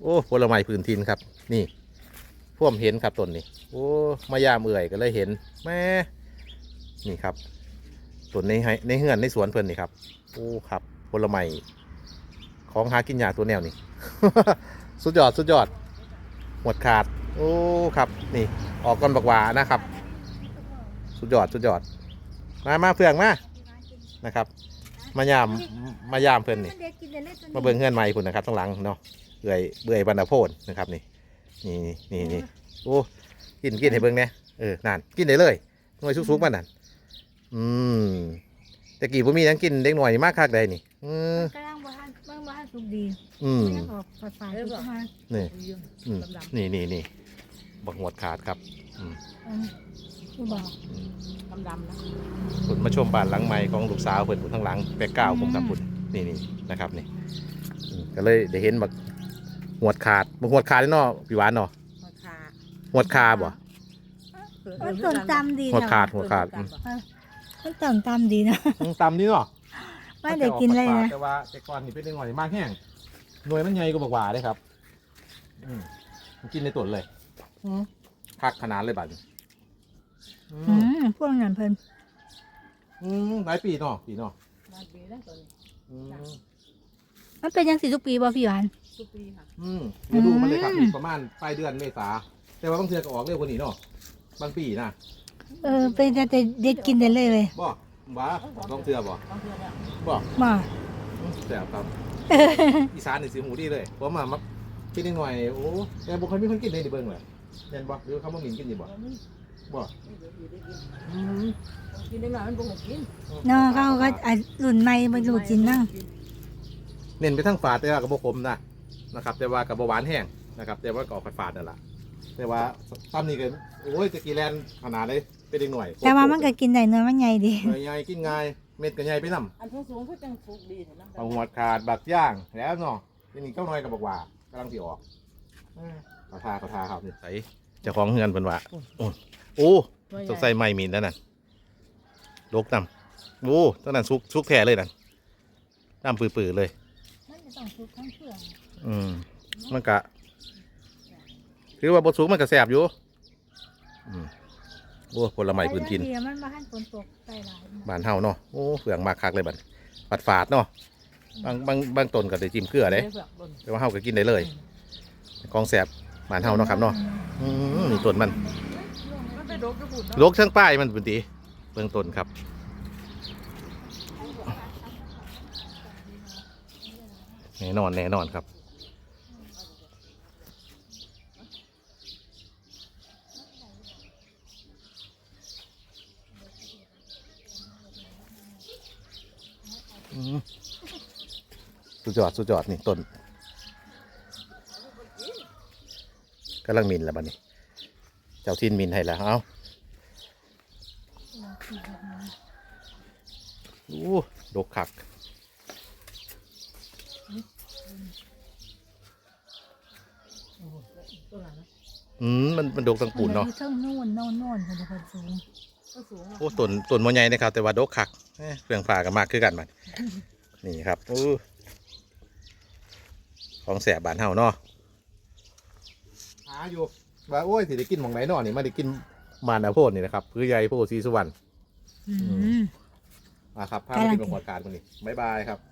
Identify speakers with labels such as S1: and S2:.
S1: โอ้ผลไม้พื้นถิ่นครับนี่พ่วมเห็นครับต้นนี้โอ้มายามเอื่อยก็เลยเห็นแม่นี่ครับต้นในเฮือนในสวนเพิ่นนี่ครับโอ้ครับผลไม้ของหากินยากตัวแนวนี่ สุดยอดสุดยอดหมดขาดโอ้ครับนี่ออกก้อนบักหวานะครับสุดยอดสุดยอดมาเพื่องมานะครับมายามเพื่อนนี่มาเบิ่งเฮือนใหม่พุ่นนะครับข้างหลังเนาะเบื่อยบรรณโพนนะครับนี่โอ้กินให้เบิ่งเนี่ยนั่นกินได้เลยหน่วยสุกๆมันนั่นแต่กี่ผมมีทั้งกินเด็กหน่อยมากคักใดนี่
S2: กำลังบ้านสุกดียังออกฝาดๆมา
S1: นี่บักหมดขาดครับ
S2: ผู้บอก
S3: ดำนะ
S1: คุณมาชมบ้านหลังใหม่ของลูกสาวเพิ่นข้างหลังแปะก้าวผมกับคุณนี่นะครับนี่ก็เลยได้เห็นบักหวดขาดเนาะพี่หวานเนาะหวดคาบ่
S2: มันต้นตำดี
S1: หวดขาด
S2: มันต้นตำดีนะ
S1: ตำนี่เนาะ
S2: ไม่ได้กินเลยนะ
S1: แต่ว่าแต่ก่อนนี่เป็นหน่อยมากแห้งหน่วยมันใหญ่กว่าบักหวาได้ครับมันกินในต้นเลยคักขนาดเลยบัด
S2: พวกนั้นเพิ่น
S1: หลายปีเนาะ
S3: หลายปีแล้วตอนนี้
S2: มันเป็นยังสิทุกปีบ่พี่หวาน
S3: ทุกปีค่ะ
S1: ฤดูมันเลยครับประมาณปลายเดือนเมษาแต่ว่าบางเทื่อก็ออกเร็วกว่านี้เนาะบางปีนะ
S2: เป็นแต่เด็ดกินได้เลย
S1: บ่บ้าบางเทื่อบ่บ่
S2: มา
S1: แต่ครับอีสานนี่สิหูดีเลยเพราะมากินนิดหน่อยโอ้แต่บ่ค่อยมีคนกินเลยดิเบิ่งเลยแม่นบ่หรือเขาบ่หมิ่นกินดิบ่
S3: กินได้หน่อยมันบ่หกกิน
S2: เนาะเขาก็รุ่นใหม่มาดูกินนั่ง
S1: เน้นไปทั้งฝาดแต่ว่ากับบ่ขมนะครับแต่ว่ากับบ่หวานแห้งนะครับแต่ว่าก็ออกฝาดนั่นแหละแต่ว่าตำนี่ก็โอ้ยจะกี่แลนขนาดเลยเป็นเด็กหน่อย
S2: แต่ว่ามันก็กินได้เนื้อมันใหญ่ดี
S1: ใหญ่กินง่ายเม็ดก็ใหญ่ไปนำ
S3: อันสูงก็จังสุกดีนะ
S1: เอาหัวขาดบักย่างแล้วเนาะทีนี้เจ้าน้อยกับบอกว่ากำลังสิออกเขาทาครับนี่ใส่เจ้าของเฮือนเพิ่นว่าโอ้สงสัยไม่มีนั่นน่ะลกนำโอ้ตอนนั้นซุกแท้เลยนั่นน้ำปื้อๆเลย
S2: มันจะต้องซุกทั้งเปลือก
S1: มันกะคือว่าบดซุกมันก็แสบอยู่โอ้ผลไม้พื้นถิ่น
S2: มันมาหั่นฝนตกใส่หลาย
S1: บ้านเฮาเนาะโอ้เฟืองมากคักเลยบัดฝาดเนาะบางต้นก็ได้จิ้มเกลือเลยแต่ว่าเฮาก็กินได้เลยของแสบบ้านเฮาเนาะครับเนาะนี่ต้นมันลกทั้งป้ายมันพื้นที่เบื้องต้นครับแน่นอนครับสุดยอดนี่ต้นกำลังมินแล้วบัดนี้เจ้าทินมินให้แล้วเอาดกคักมันดกตั้งปูนเนาะ
S2: เท่าโน่นคนสูง
S1: โอ้ต้นมอใหญ่นะครับแต่ว่าดกคักเครื่องฟ้ากันมากคือกันมันนี่ครับของแสบบ้านเฮาเนาะหาอยู่ว่าโอ้ยสิได้กินหม่องไหนเนาะนี่มาได้กินมานโพดนี่นะครับคือใหญ่โพดศรีสุวรรณมาครับพาไปกินบรรยากาศวันนี้บ๊ายบายครับ